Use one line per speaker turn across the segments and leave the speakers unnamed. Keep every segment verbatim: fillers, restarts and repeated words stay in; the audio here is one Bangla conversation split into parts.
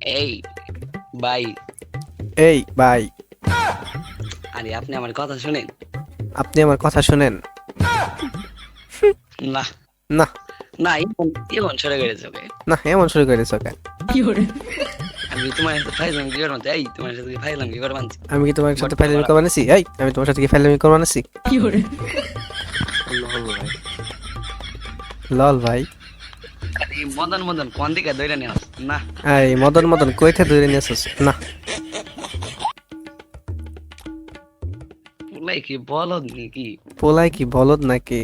এই ভাই,
এই ভাই,
আরে আপনি আমার কথা শুনেন।
আপনি আমার কথা শুনেন।
না
না
না, এখন এখন সরে গেছে ওকে।
না, এমন শুরু করে দিছো কেন?
আমি তোমার সাথে ফাইজলাম কি করবো? এই তোমার সাথে কি ফাইজলাম কি করবো?
আমি কি তোমার সাথে
গর্ত
ফাইলামি
মারা।
করবো আনিছি? এই, আমি তোমার সাথে কি ফাইলামি করবো আনিছি?
হল্লো হল্লো ভাই।
লল ভাই।
আরে মদন মদন কোন দিকে দৌড়ে নেওয়া? না
এই মদন মদন কইতে ধরে নিয়েছিস? না,
বলাই কি বলদ নাকি?
পোলাই কি বলদ নাকি?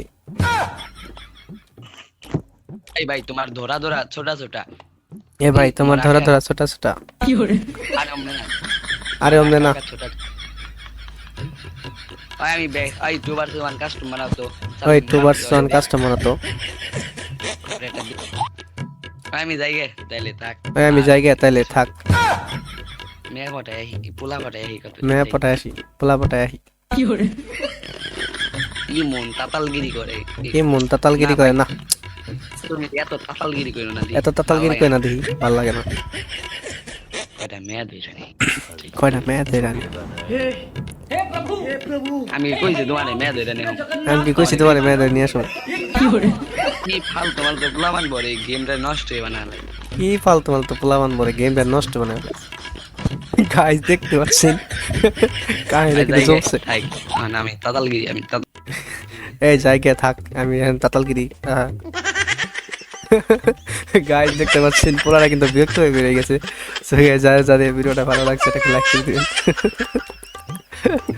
এই ভাই তোমার ধরা ধরা ছোটা ছোটা।
এ ভাই,
এই
তোমার ধরা
আঁকা,
ধরা ছোটা ছোটা।
আরে অমনে না,
আরে
তোমার
অমনে
আঁকা
না।
আঁকা ছোটা। ওই আমি বে এই টু বার ওয়ান কাস্টম বানাতো।
ওই টু ভার্স ওয়ান কাস্টমার তো।
আমি যাই গে তাইলে থাক।
ওই আমি জায়গা তাইলে থাক।
মেয়ে পটায় আহি কি পোলা পটায় আহি কত
মেয়ে পটায় আসি, পোলা পটায় আসি।
কি মন তাতালগিরি করে।
কি মন তাতালগিরি
না
করে?
ভাই,
না,
তুমি এত তাতালগিরি করো না দি।
এত তাতালগিরি করে না দেখি, ভাল লাগে না।
এটা মেয়ে ধরে নি।
কয়টা মেয়ে ধরে আনি?
আমি কইছি তোমার মেয়ে ধরে নি।
আমি কি কইছি তোমার মেয়ে ধরে নিয়ে আসো?
কি ফালতু ফালতু পোলাবান বলে গেমটা নষ্ট হয়ে বানালে।
কি ফালতু ফালতু পোলাবান বলে গেমটা নষ্ট বানায়। গাইস দেখতে পাচ্ছেন কাহিনী কিন্তু জমছে।
মানে আমি তাতালগিরি আমি তাতাল-
এই জায়গায় থাক, আমি এখন তাতালগিরি। গাইস দেখতে পাচ্ছেন পোলারা কিন্তু বিরক্ত হয়ে বেরিয়ে গেছে। সো যারা যাদের ভিডিওটা ভালো লাগছে এটাকে লাইক করে দিন।